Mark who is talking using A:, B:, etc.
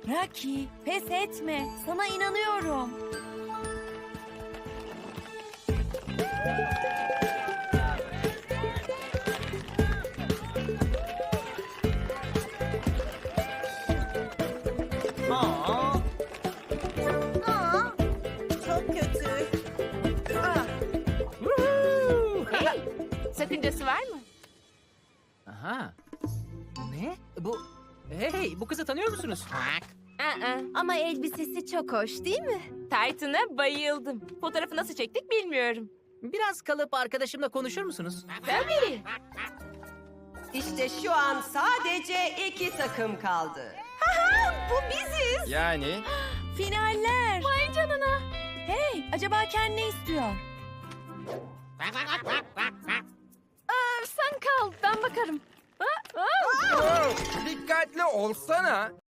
A: Rocky, pes etme. Sana inanıyorum.
B: Aa,
C: Aa, çok kötü.
B: woohoo!
D: Hey, sakıncası var mı?
B: Aha. Ne? Hey, bu kızı tanıyor musunuz?
D: Aa,
A: Ama elbisesi çok hoş değil mi?
D: Titan'a bayıldım. Fotoğrafı nasıl çektik bilmiyorum.
B: Biraz kalıp arkadaşımla konuşur musunuz?
D: Tabii.
C: İşte şu an sadece 2 takım kaldı.
D: Bu biziz.
E: Yani
A: Finaller.
D: Vay canına.
A: Hey, acaba Ken ne istiyor?
D: Sen kal, ben bakarım.
E: dikkatli olsana.